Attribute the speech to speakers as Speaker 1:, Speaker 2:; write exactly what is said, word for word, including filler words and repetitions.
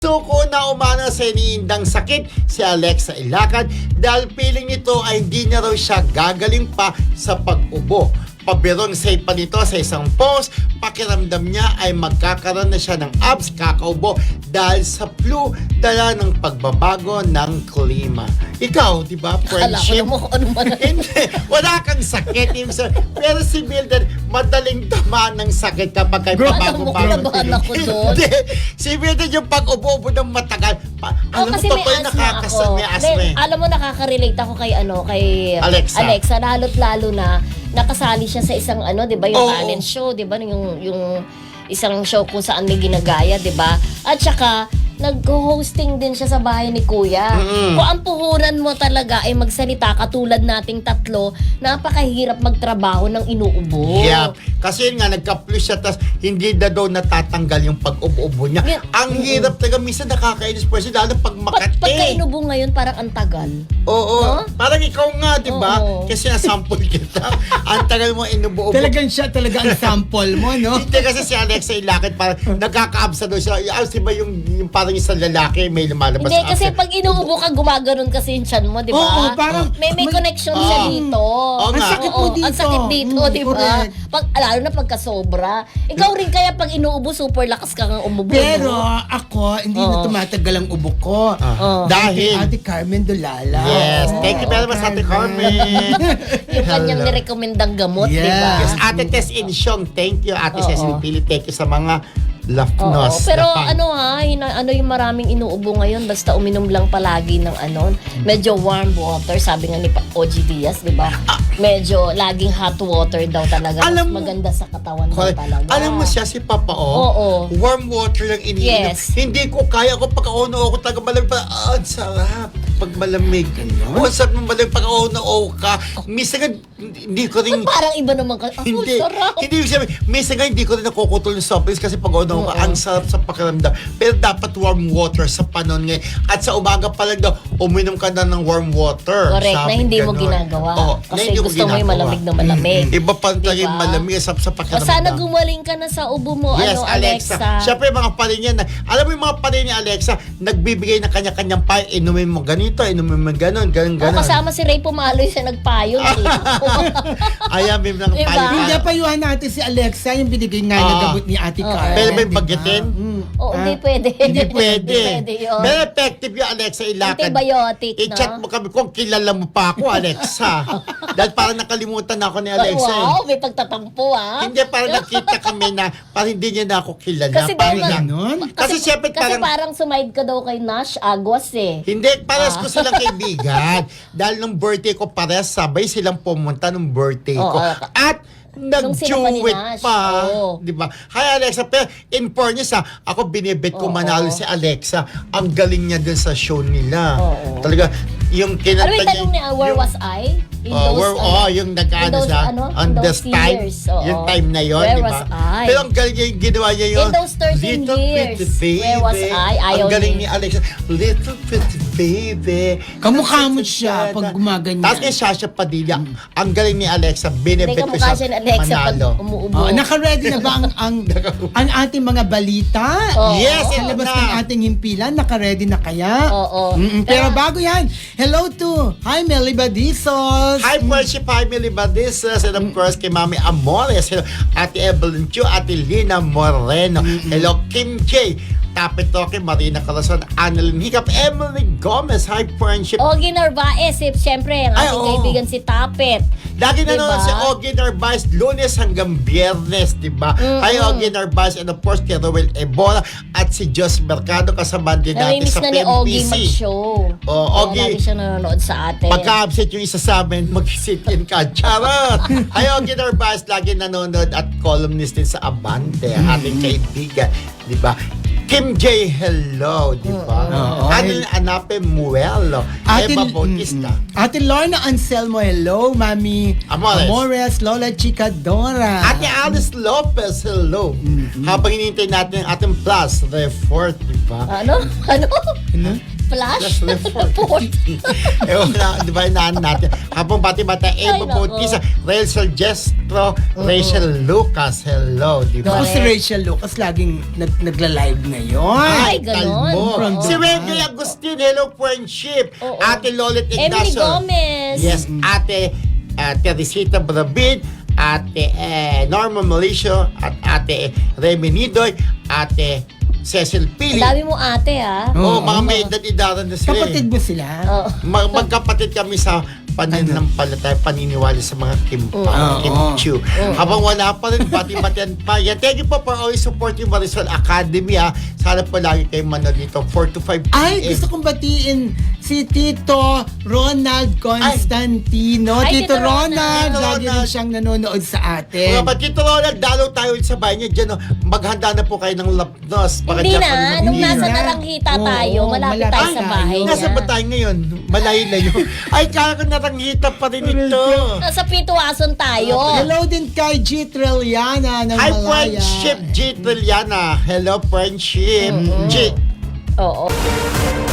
Speaker 1: Suko na umano sa iniindang sakit si Alexa Ilacad dahil piling nito ay hindi na raw siya gagaling pa sa pag-ubo. Pabirong say pa nito sa isang post, pakiramdam niya ay magkakaroon na siya ng abs kakaubo dahil sa flu dala ng pagbabago ng klima. Ikaw, di ba, friendship?
Speaker 2: Alam ko ano man.
Speaker 1: Hindi, wala kang sakit. Pero si Mildred, madaling tamaan ng sakit kapag kay
Speaker 2: Bro,
Speaker 1: pabago-bago.
Speaker 2: alam mo, kinabahan ako doon.
Speaker 1: Hindi. Si Mildred yung pag-ubo-ubo ng matagal. Pa,
Speaker 2: Oh,
Speaker 1: alam mo,
Speaker 2: kasi may
Speaker 1: totoo yung
Speaker 2: asthma
Speaker 1: nakakasa,
Speaker 2: ako.
Speaker 1: may asthma
Speaker 2: Then,
Speaker 1: eh.
Speaker 2: alam mo, nakaka-relate ako kay, ano, kay
Speaker 1: Alexa.
Speaker 2: Alexa. Lalo't lalo na, nakasali siya sa isang, ano, di ba, yung
Speaker 1: Oo.
Speaker 2: talent show, di ba, yung, yung isang show kung saan may ginagaya, di ba? At saka, nag-hosting din siya sa bahay ni Kuya.
Speaker 1: Mm-mm.
Speaker 2: Kung ang puhunan mo talaga ay magsalita katulad nating tatlo, napakahirap magtrabaho ng inuubo.
Speaker 1: Yeah. Kasi yun nga, nagka-flu siya, tas hindi na daw natatanggal yung pag-ubo-ubo niya.
Speaker 2: Yeah.
Speaker 1: Ang
Speaker 2: Mm-mm.
Speaker 1: hirap talaga, minsan nakakainis po siya, lalo pag
Speaker 2: Pag,
Speaker 1: makati.
Speaker 2: pagka inubo ngayon, parang ang tagal.
Speaker 1: Oo.
Speaker 2: No?
Speaker 1: Parang ikaw nga, di ba?
Speaker 2: Oo.
Speaker 1: Kasi nasample kita. Ang tagal mo inubo-ubo.
Speaker 3: Talagang siya talaga ang sample mo, no?
Speaker 1: Hindi kasi si Alexa Ilacad, parang nagkakaabsa daw siya. Ah, si ba yung, yung parang isang lalaki may lumalabas
Speaker 2: Hindi,
Speaker 1: sa
Speaker 2: kasi
Speaker 1: absa.
Speaker 2: pag inuubo ka, gumaganon kasi yung chan mo, di ba?
Speaker 3: Oo, parang-
Speaker 2: May, may
Speaker 3: may-
Speaker 2: connection siya
Speaker 1: Oo.
Speaker 2: dito.
Speaker 1: Oo
Speaker 3: Ang
Speaker 1: nga.
Speaker 3: sakit mo
Speaker 2: Oo,
Speaker 3: dito.
Speaker 2: Ang sakit dito,
Speaker 3: Mm,
Speaker 2: di ba?
Speaker 3: correct.
Speaker 2: Pag, lalo na pagka sobra. Ikaw rin kaya pag inuubo, super lakas ka ng umubo.
Speaker 3: Pero
Speaker 2: no?
Speaker 3: ako, hindi na
Speaker 2: Oo.
Speaker 3: tumatagal ang ubo ko.
Speaker 1: Ah,
Speaker 2: Oo.
Speaker 1: Dahil,
Speaker 3: Ate Carmen Dulala.
Speaker 1: yes,
Speaker 3: Oo,
Speaker 1: thank you very much, Ate Carmen.
Speaker 2: Yung kanyang
Speaker 1: Hello.
Speaker 2: nirekomendang gamot, di
Speaker 3: Yeah.
Speaker 2: ba?
Speaker 1: Yes, Ate Tess Insyong, thank you. Ate
Speaker 2: Oo.
Speaker 1: Cecil Pili, thank you sa mga
Speaker 2: Oo,
Speaker 1: lafnos.
Speaker 2: pero
Speaker 1: na fan.
Speaker 2: ano ha, hina, ano yung maraming inuubo ngayon, basta uminom lang palagi ng ano, medyo warm water, sabi nga ni Pa- O G Diaz, di ba? Medyo laging hot water daw talaga,
Speaker 1: Alam
Speaker 2: mas
Speaker 1: mo-
Speaker 2: maganda sa katawan daw
Speaker 1: Correct.
Speaker 2: talaga.
Speaker 1: Alam mo siya, si Papa O,
Speaker 2: Oo.
Speaker 1: warm water lang iniinom.
Speaker 2: Yes.
Speaker 1: Hindi ko kaya ko pagka-ono ako talaga malamig pa. Ah, ang sarap pag malamig. Oo, ang sarap ng malamig pagka-ono ka. Minsan nga, hindi ko rin...
Speaker 2: Parang iba naman ka, oh,
Speaker 1: Hindi,
Speaker 2: sarap.
Speaker 1: hindi yung sabi, minsan nga hindi ko rin nakukutol ng soft drinks kasi pag ano ka, ang sarap sa pakiramdam. Pero dapat warm water sa panon ngayon. At sa umaga pa lang daw, uminom ka na ng warm water.
Speaker 2: Correct, na
Speaker 1: Sabi
Speaker 2: hindi mo
Speaker 1: ganon.
Speaker 2: ginagawa.
Speaker 1: Oo, na
Speaker 2: Kasi
Speaker 1: hindi ko
Speaker 2: gusto mo yung
Speaker 1: ginagawa.
Speaker 2: malamig na malamig.
Speaker 1: Iba pa talaga yung
Speaker 2: Diba?
Speaker 1: malamig sa, sa
Speaker 2: O
Speaker 1: pakiramdam.
Speaker 2: sana gumaling ka na sa ubo mo,
Speaker 1: Yes,
Speaker 2: ano,
Speaker 1: Alexa.
Speaker 2: Alexa.
Speaker 1: Siyempre, mga parin yan. na- Alam mo yung mga parin ni Alexa, nagbibigay ng kanya-kanyang payo. Inumin mo ganito, inumin mo ganon, ganon,
Speaker 2: O,
Speaker 1: ganon.
Speaker 2: kasama si Ray Pumaloy sa nagpayo. nakita ko.
Speaker 1: Ayan, may mga
Speaker 2: Diba?
Speaker 1: payo.
Speaker 3: Hindi, payuhan natin si Alexa, yung binigay nga
Speaker 1: Ah.
Speaker 3: na gamot ni Ate
Speaker 2: Oo.
Speaker 3: Carmen.
Speaker 1: Pwede ba yung
Speaker 3: di ba?
Speaker 1: bagyatin?
Speaker 3: Mm.
Speaker 2: Oo, hindi pwede.
Speaker 1: Hindi pwede.
Speaker 2: Hindi pwede yun.
Speaker 1: Very effective yung Alexa Ilacad.
Speaker 2: Antibiotic, no?
Speaker 1: I-chat mo kami kung kilala mo pa ako, Alexa. Dahil parang nakalimutan na ako ni Alexa. eh.
Speaker 2: Wow, may pagtatampo ah.
Speaker 1: Hindi, parang nakita kami na parang hindi niya na ako kilala.
Speaker 2: Kasi
Speaker 1: parang
Speaker 2: daw na-
Speaker 3: Ganon?
Speaker 1: Kasi siyempre
Speaker 2: kasi
Speaker 1: parang-
Speaker 2: parang sumide ka daw kay Nash Aguas eh.
Speaker 1: Hindi, pares
Speaker 2: Ah.
Speaker 1: ko silang kaibigan. Dahil nung birthday ko, pares sabay silang pumunta nung birthday ko.
Speaker 2: Oo.
Speaker 1: At
Speaker 2: Nung sila pa ni
Speaker 1: nag-duet
Speaker 2: Nash.
Speaker 1: pa.
Speaker 2: Oo.
Speaker 1: Di ba? Hi, Alexa. Pero in fairness, ha, ako binibet ko
Speaker 2: Oo.
Speaker 1: manalo si Alexa. Ang galing niya dun sa show nila.
Speaker 2: Oo.
Speaker 1: Talaga, yung kinanta
Speaker 2: Ano yung tanong niya, where
Speaker 1: yung-
Speaker 2: was I? In
Speaker 1: Oh,
Speaker 2: those,
Speaker 1: where,
Speaker 2: ano,
Speaker 1: oh, yung nag-ano
Speaker 2: in those,
Speaker 1: siya,
Speaker 2: ano,
Speaker 1: on
Speaker 2: in
Speaker 1: this
Speaker 2: those
Speaker 1: time,
Speaker 2: years, oo.
Speaker 1: yung time na yun,
Speaker 2: Where
Speaker 1: di ba?
Speaker 2: was I?
Speaker 1: Pero ang galing niya yung ginawa niya yun.
Speaker 2: In those thirteen
Speaker 1: Little
Speaker 2: years,
Speaker 1: pretty baby.
Speaker 2: where was I? Ayaw
Speaker 1: Ang galing
Speaker 2: ni-
Speaker 1: ni Alexa, little pretty baby.
Speaker 3: Kamukha mo siya pag gumaganyan.
Speaker 1: Tapos kay Sasha Padilla, ang galing ni Alexa,
Speaker 2: Hindi
Speaker 1: binibet
Speaker 2: ka
Speaker 1: ko
Speaker 2: mukha
Speaker 1: siya
Speaker 2: siya ni Alexa pag
Speaker 1: manalo.
Speaker 2: umuubo.
Speaker 3: Oh, naka-ready na ba ang, ang, ang ating mga balita?
Speaker 2: Oo.
Speaker 1: Yes,
Speaker 3: Sa
Speaker 1: ito
Speaker 3: labas
Speaker 1: na.
Speaker 3: ng ating himpilan, naka-ready na kaya?
Speaker 2: Oo.
Speaker 3: Mm-mm, pero bago yan, hello to, hi Melly Badizos.
Speaker 1: Hi, Friendship Family Badisas, and of course, kay Mami Amores, hello, Ate Evelyn Chu, Ate Lina Moreno, hello, Kim J, Tapit Toke, Marina Corazon, Annalyn Hiccup, Emily Gomez, hi, Friendship.
Speaker 2: Ogie Narvaez, eh, siyempre, ang
Speaker 1: Ay,
Speaker 2: ating
Speaker 1: oo.
Speaker 2: kaibigan si Tapet.
Speaker 1: Lagi na
Speaker 2: Diba?
Speaker 1: naman si Ogie Narvaez, lunes hanggang biyernes, di ba?
Speaker 2: Mm-mm.
Speaker 1: Hi, Ogie Narvaez, and of course, kay Roel Ebola, at si Jos Mercado, kasama din natin
Speaker 2: Namimiss
Speaker 1: sa
Speaker 2: na
Speaker 1: P
Speaker 2: ni
Speaker 1: M B
Speaker 2: Ogie
Speaker 1: C.
Speaker 2: mag-show.
Speaker 1: Oh,
Speaker 2: Kaya
Speaker 1: Ogie.
Speaker 2: lagi siya nanonood sa atin.
Speaker 1: Pagka-absent yung isa sa amin, mag-sit in ka. Charot! Hi, Ogie Narvaez, lagi nanonood at columnist din sa Abante, ating kaibigan. Di ba? Kim J, hello, di ba?
Speaker 3: Oo.
Speaker 1: Anil Anape Muelo,
Speaker 3: Ate,
Speaker 1: Eva Bautista.
Speaker 3: mm-mm. Ate Lorna Anselmo, hello. Mami
Speaker 1: Amores.
Speaker 3: Amores, Lola Chica Dora.
Speaker 1: Ate Alice Lopez, hello. Habang hinihintay natin ang ating plus report, di ba?
Speaker 2: Ano? Ano?
Speaker 3: Ano?
Speaker 2: Flash?
Speaker 1: Flash report.
Speaker 2: Report.
Speaker 1: eh, wala, di ba, inaan natin. Habang bati-bata, Eva
Speaker 2: Ay, nako.
Speaker 1: Bautista, Rachel Jestro, Rachel Lucas, hello, di ba?
Speaker 3: Ako si
Speaker 2: Correct.
Speaker 3: Rachel Lucas, laging nag nagla-live ngayon.
Speaker 2: Ay, ganon.
Speaker 1: kalbo.
Speaker 3: From
Speaker 1: Si
Speaker 3: Dubai.
Speaker 1: Wendy Agustin, hello, friendship.
Speaker 2: Oo.
Speaker 1: Ate Lolet
Speaker 2: Emily
Speaker 1: Ignacio.
Speaker 2: Gomez.
Speaker 1: Yes, Ate uh, Teresita Brabid, Ate eh, Norma Malicio, at Ate Remy Nidoy, Ate Cecil
Speaker 2: Ang
Speaker 1: Pili.
Speaker 2: dami mo ate, ah.
Speaker 1: Oh,
Speaker 3: Oo.
Speaker 1: mga may edad-edaran na sila.
Speaker 3: Kapatid
Speaker 1: eh.
Speaker 3: mo sila?
Speaker 2: Oo.
Speaker 1: Mag- magkapatid kami sa pananampalataya, paniniwala sa mga kimpang,
Speaker 3: Oo.
Speaker 1: kimchu. Habang wala pa rin, bati-batian pa. Yan. Thank you po for always supporting Marisol Academy, ha. Sana po lagi kayo manood dito, four to five p m.
Speaker 3: Ay, gusto kong batiin si Tito Ronald Constantino.
Speaker 2: Ay,
Speaker 3: Tito
Speaker 2: Tito
Speaker 3: Ronald,
Speaker 1: Ronald.
Speaker 3: lagi rin siyang nanonood sa atin.
Speaker 1: Mga Tito Ronald, dalaw tayo sa bahay niya dyan. Oh. Maghanda na po kayo ng lapnos. Baka
Speaker 2: Hindi
Speaker 1: dyan pa
Speaker 2: na.
Speaker 1: rin
Speaker 2: Nung
Speaker 1: mag-
Speaker 2: nasa
Speaker 3: na.
Speaker 2: Naranghita
Speaker 3: Oo,
Speaker 2: tayo, malapit
Speaker 3: malapit
Speaker 2: tayo sa
Speaker 3: tayo.
Speaker 2: bahay niya.
Speaker 1: Nasa ba tayo ngayon? Malayo na yun. Ay, kaya ko naranghita pa rin ito.
Speaker 2: Nasa Pituason tayo.
Speaker 3: Hello din kay G. Trilliana ng
Speaker 1: Hi,
Speaker 3: Malaya.
Speaker 1: friendship, G. Trilliana. Hello, friendship. G.
Speaker 2: Oo.